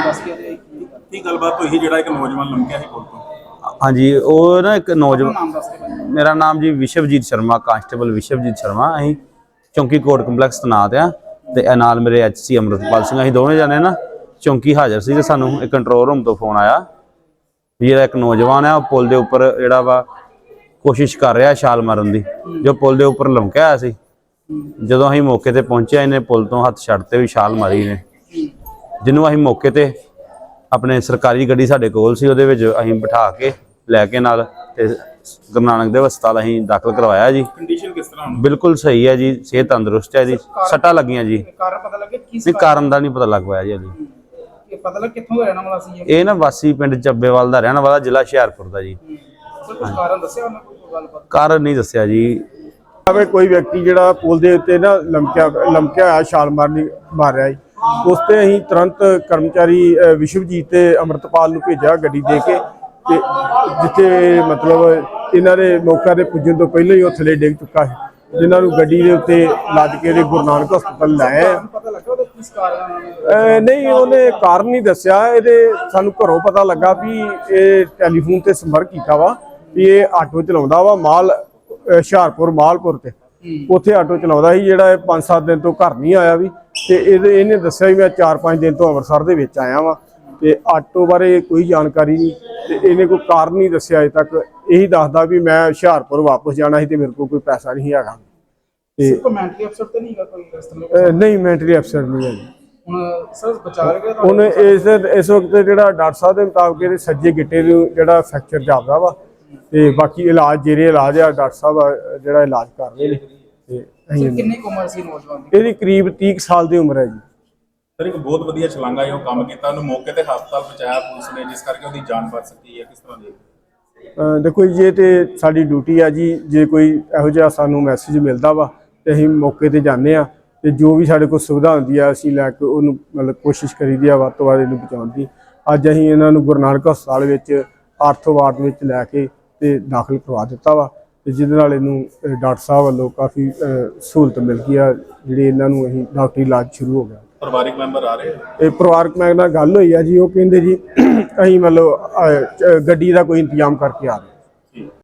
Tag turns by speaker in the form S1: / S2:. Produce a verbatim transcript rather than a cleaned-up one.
S1: दस के रहे
S2: की गलबात हुई जिहड़ा एक नौजवान लमकिया ही पुल तो?
S3: हाँ जी, वो ना एक नौजवान,
S1: नाम दस के भाई।
S3: मेरा नाम जी विशवजीत शर्मा, कांस्टेबल विशवजीत शर्मा। अं चौंकी कोट कंपलैक्स तैनात हाँ ते नाल मेरे एच सी अमृतपाल सिंह, अं दोवें जने ना चौंकी हाज़र से। सानू एक कंट्रोल रूम तो फोन आया भी जो एक नौजवान है पुल के उपर जोड़ा वा कोशिश कर रहा छाल मारन की, जो पुल के उपर लमकिया होया सी। जो अं मौके पर पहुंचे, इन्हें पुल तो हथ छड्डते भी छाल मारी ने, जिन्हों अं मौके पर अपने सरकारी गड्डी साडे कोल सी, उहदे विच असीं बिठा के लैके नाल ते गुरु नानक देव हस्पताल असीं दाखिल करवाया जी।
S2: कंडीशन किस तरह?
S3: बिल्कुल सही है जी, सेहत तंदुरुस्त है जी, सट्टा लगियां जी।
S1: कारण पता लगे किस
S3: नहीं, कारण दा नहीं पता लग पाया जी अभी।
S1: ये पता लग कित्थों रहना वाला सी
S3: ये ना वासी पिंड ਚੱਬੇਵਾਲ ਦਾ रहने वाला, जिला ਹੁਸ਼ਿਆਰਪੁਰ ਦਾ जी।
S1: कुछ कारण दस्या उन्होंने कोई गलबात?
S3: कारण नहीं दस्या जी।
S4: कोई व्यक्ति जिहड़ा पुल दे उत्ते ना लमकिया लमकिया होया छाल मारनी मार रहा है, उस ते असीं तुरंत कर्मचारी विशवजीत ते अमृतपाल नूं भेजिया गड्डी दे के, ते जिथे मतलब इन्हां दे मौके ते पुज्जण तो पहले ही वो थले डिग चुका है, जिन्हां नूं गड्डी दे उत्ते लद के गुरु नानक हस्पताल लाया।
S1: पता लगा ਉਹਦਾ किस कारण उन्होंने?
S4: नहीं, उन्हें कारण नहीं दस्या। ये सानू घरों पता लगा भी ये टैलीफोन ते संपर्क किया वा भी ये आटो चलाउंदा वा माल हुशियारपुर मालपुर ते उत्थे आटो चलाउंदा सी, जिहड़ा पांच सत्त दिन तो घर नहीं आया भी, ते इहने दस्सिया भी मैं चार पांच दिन तो अमृतसर दे विच आया वा, ते आटो बारे कोई जानकारी नहीं, ते इहने कोई कारण नहीं दस्सिया अजे तक। यही दसदा भी मैं हुशियारपुर वापस जाना सी ते मेरे को कोई पैसा नहीं हैगा।
S1: सिर्फ मेंटली अपसेट तो नहीं है कोई इस तरह?
S4: नहीं, मेंटली अपसेट नहीं है जी।
S1: ਹੁਣ ਸਰ ਬਚਾ ਲਿਆ
S4: ਹੁਣ ਇਸ ਇਸ ਵਕਤ ਜਿਹੜਾ ਡਾਕਟਰ ਸਾਹਿਬ ਦੇ ਮੁਤਾਬਕ ਇਹਦੇ ਸੱਜੇ ਗਿੱਟੇ ਨੂੰ ਜਿਹੜਾ ਫ੍ਰੈਕਚਰ ਜਾਪਦਾ ਵਾ, ਤੇ ਬਾਕੀ ਇਲਾਜ ਜਿਹੜੇ ਇਲਾਜ ਆ ਡਾਕਟਰ ਸਾਹਿਬ ਜਿਹੜਾ ਇਲਾਜ ਕਰ ਰਹੇ ਨੇ। ਤੇ
S1: ਸਰ ਕਿੰਨੀ ਕੁ ਉਮਰ ਸੀ ਨੌਜਵਾਨ ਦੀ?
S4: ਇਹਦੀ ਕਰੀਬ तीस ਕੁ ਸਾਲ ਦੀ ਉਮਰ ਹੈ ਜੀ।
S2: सर एक बहुत वधिया छलांगा है, वो काम किया, उन्होंने मौके पर हस्पताल पहुंचाया पुलिस ने, जिस करके उसकी जान बच सकी है। किस तरह की?
S4: देखो जी, ये तो साडी ड्यूटी है जी, जे कोई इहो जिहा सानू मैसेज मिलता वा तो असीं मौके पर जाने आ, ते जो भी साडे कोल सुविधा होंदी है असीं लैके उहनूं मतलब कोशिश करीदी आ वध तों वध इहनूं बचाउण दी। अज असीं इन्हां नूं गुरु नानक हस्पताल विच आर्थो वार्ड विच लैके ते दाखिल करवा दित्ता वा, ते जिहदे नाल इहनूं डॉक्टर साहब वल्लों काफ़ी सहूलत मिल गई आ, जिहड़ी इन्हां नूं असीं डॉक्टरी इलाज शुरू हो गया।
S2: परिवारिक मैंबर आ रहे हैं?
S4: ਇਹ ਪਰਿਵਾਰਕ ਮੈਂਬਰ ਨਾਲ ਗੱਲ ਹੋਈ ਆ ਜੀ, ਉਹ ਕਹਿੰਦੇ ਜੀ ਅਸੀਂ ਮਤਲਬ ਗੱਡੀ ਦਾ ਕੋਈ ਇੰਤਜ਼ਾਮ ਕਰਕੇ ਆ ਰਹੇ।